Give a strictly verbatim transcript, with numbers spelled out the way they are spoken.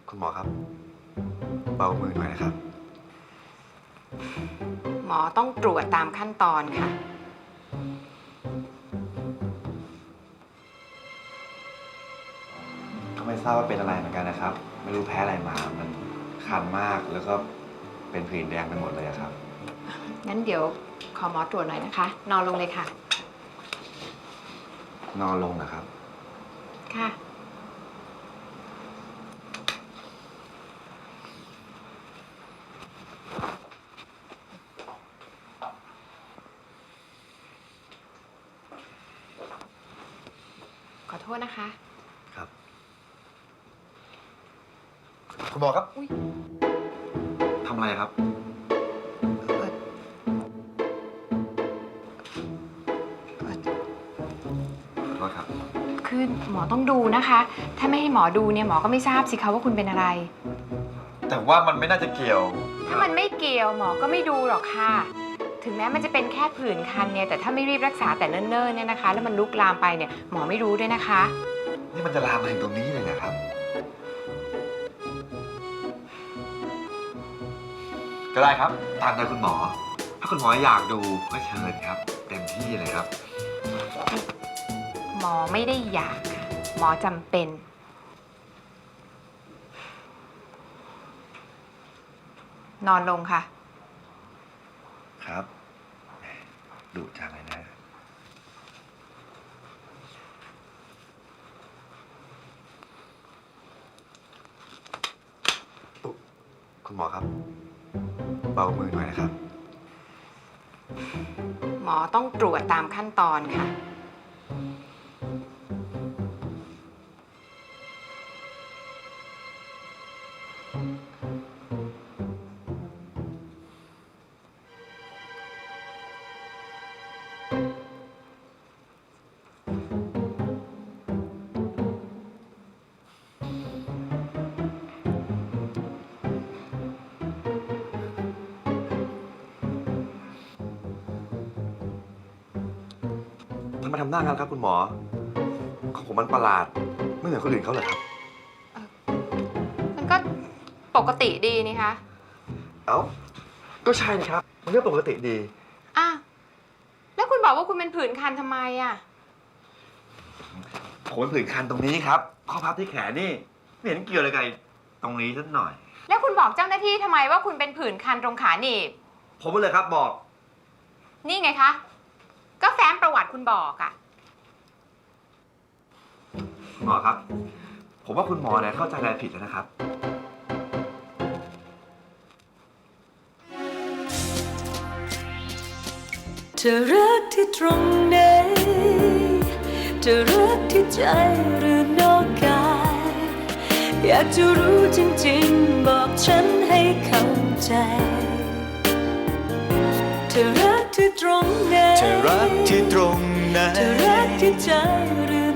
คุณหมอครับเบามือหน่อยนะครับหมอต้องตรวจตามขั้นตอนค่ะก็ไม่ทราบว่าเป็นอะไรเหมือนกันนะครับไม่รู้แพ้อะไรมามันคันมากแล้วก็เป็นผื่นแดงไปหมดเลยครับงั้นเดี๋ยวขอหมอตรวจหน่อยนะคะ นอนลงเลยค่ะนอนลงนะครับค่ะ ขอโทษนะคะครับคุณหมอครับอุ๊ยทำอะไรครับเอ่อเอ่อขอโทษครับคือหมอต้องดูนะคะ ถ้าไม่ให้หมอดูเนี่ยหมอก็ไม่ทราบสิคะว่าคุณเป็นอะไรแต่ว่ามันไม่น่าจะเกี่ยวถ้ามันไม่เกี่ยวหมอก็ไม่ดูหรอกค่ะ ถึงแม้มันจะเป็นแค่ผื่นคันเนี่ย แต่ถ้าไม่รีบรักษาแต่เนิ่นๆเนี่ยนะคะ แล้วมันลุกลามไปเนี่ยหมอไม่รู้ด้วยนะคะนี่มันจะลามมาถึงตรงนี้เลยนะครับ ก็ได้ครับ ตามใจคุณหมอ ถ้าคุณหมออยากดูก็เชิญครับ เต็มที่เลยครับหมอไม่ได้อยากค่ะ หมอจำเป็น นอนลงค่ะครับดุจังเลยนะอุ๊ยคุณหมอครับเบามือหน่อยนะครับหมอต้องตรวจตามขั้นตอนค่ะทำไมทำหน้างั้นครับคุณหมอ ของผมมันประหลาด ไม่เหมือนคนอื่นเขาเลยครับมันก็ปกติดีนี่คะเอ้า ก็ใช่นี่ครับ มันก็ปกติดีอ่ะแล้วคุณบอกว่าคุณเป็นผื่นคันทำไมอ่ะผมเป็นผื่นคันตรงนี้ครับ ข้อพับที่แขนนี่ไม่เห็นเกี่ยวอะไรกับตรงนี้สักหน่อยแล้วคุณบอกเจ้าหน้าที่ทำไมว่าคุณเป็นผื่นคันตรงขาหนีบผมเลยครับบอกนี่ไงคะ ก็แฟ้มประวัติคุณบอกอ่ะคุณหมอครับ ผมว่าคุณหมอเนี่ยเข้าใจอะไรผิดแล้วนะครับเธอรักที่ตรงไหนเธอรักที่ใจหรือนอกกายอยากจะรู้จริงๆบอกฉันให้เข้าใจเธอรักที่ตรงไหนเธอรักที่ตรงไหนเธอรักที่ใจหรือ